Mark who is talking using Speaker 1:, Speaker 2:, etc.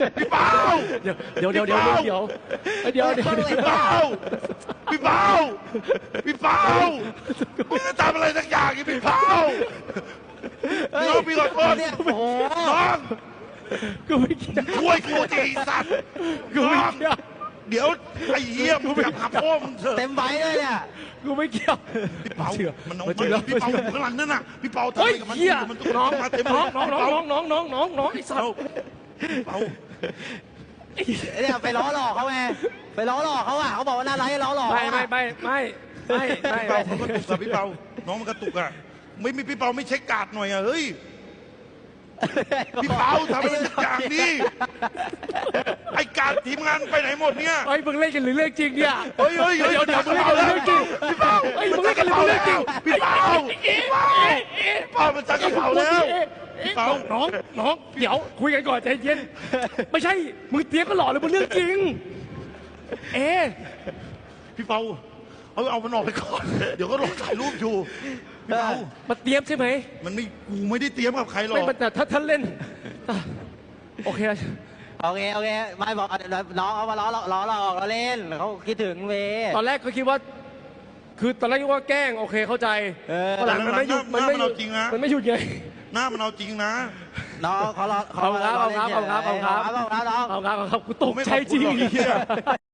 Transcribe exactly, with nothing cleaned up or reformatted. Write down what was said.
Speaker 1: พี่เปา
Speaker 2: เดี๋ยวเดี๋ยวเดี๋ยวเดี๋ยวเดี๋ยวเดี๋ยวเดี๋ยว
Speaker 1: พี่เปาพี่เปาพี่เปามึงจะทำอะไรสักอย่างอีพี่เปาน้องพี่ขอโทษ
Speaker 3: เนี่ยโอ้โห
Speaker 1: น้อง
Speaker 2: กูไม่เกี่ยว
Speaker 1: ช่วยกูทีสัตว์
Speaker 2: กูไม่เกี่ยว
Speaker 1: เดี๋ยวไอ้เหี้ยมึงกลับหาพ่อมึงเถอะ
Speaker 3: เต็มใบเลยเนี่ย
Speaker 2: กูไม่เกี่ยว
Speaker 1: พี่เปามันน้อง
Speaker 2: มาเชื่อ
Speaker 1: พี่เปาอยู่ข้างหลังนั่นน่ะพี่เปาทำอะ
Speaker 2: เฮ้
Speaker 1: ไร
Speaker 2: ย
Speaker 1: กับมัน
Speaker 2: เหี้ย
Speaker 1: มัน
Speaker 2: น้อง
Speaker 1: มาเต็ม
Speaker 2: น้องน้อง
Speaker 1: พี่
Speaker 2: น้
Speaker 1: เปา
Speaker 2: องน้องน้องน้องน้องไอ้สัตว์
Speaker 1: พี่เปา
Speaker 3: เนี่ยไปล้อหลอกเขาไงไปล้อหลอกเขาอ่ะเขาบอกว่าน่ารักให้ล้อหลอก
Speaker 2: ไม่ไม่ไม่ไม่ไม่ไม่
Speaker 1: พี่เปาเขากระตุกอะพี่เปาน้องมันกระตุกอะไม่มีพี่เปาไม่เช็คการ์ดหน่อยอะเฮ้ยพี่เปาทำอะไรสักอย่างดิไอ้การ์ดทีมงานไปไหนหมดเนี่ย
Speaker 2: เฮ้ยมึงเล่นกันหรือเรื่องจริงเนี่ย
Speaker 1: เฮ้ยเฮ้ยเฮ้ย
Speaker 2: เดี๋ยวเดี๋ยวมึงเล่นกันหรือเรื่องจริง
Speaker 1: พี่เปา
Speaker 2: เฮ้ยมึงเล่นกันหรือเรื่องจริง
Speaker 1: พี่เปาพี่เปาพี่เปามันจักกระเป๋าแล้ว
Speaker 2: พี่เปาน้องน้องเดี๋ยวคุยกันก่อนใจเย็นไม่ใช่มึงเตรียมก็หล่อเลยมันเรื่องจริงเอ๊ะ
Speaker 1: พี่เปาเอาเอามันออกไปก่อนเดี๋ยวก็รอถ่ายรูปอยู่พี่เปา
Speaker 2: มาเตรียมใช่ไหม
Speaker 1: มันไม่กูไม่ได้เตรียมกับใครหรอก
Speaker 2: ไม่แต่ถ้าท่านเล่นโอเค
Speaker 3: โอเคโอเคไม่บอกน้องเอามาล้อล้อล้อหลอกเราเล่นเขาคิดถึงเว
Speaker 2: ตอนแรกก็คิดว่า คือตอนแรกคิดว่าแกล้งโอเคเข้าใจ
Speaker 3: เออ
Speaker 2: ตอนหลังมันไม่หยุดมันไม่หยุดมันไม่หยุดไง
Speaker 1: หน้ามันเอาจริงนะ
Speaker 3: น้องเขาล้อ
Speaker 2: เอาครับเอาครับเอาครับเอาครับ
Speaker 3: เอาครับน้อง
Speaker 2: เอาครับเอาครับกูตกใจจริง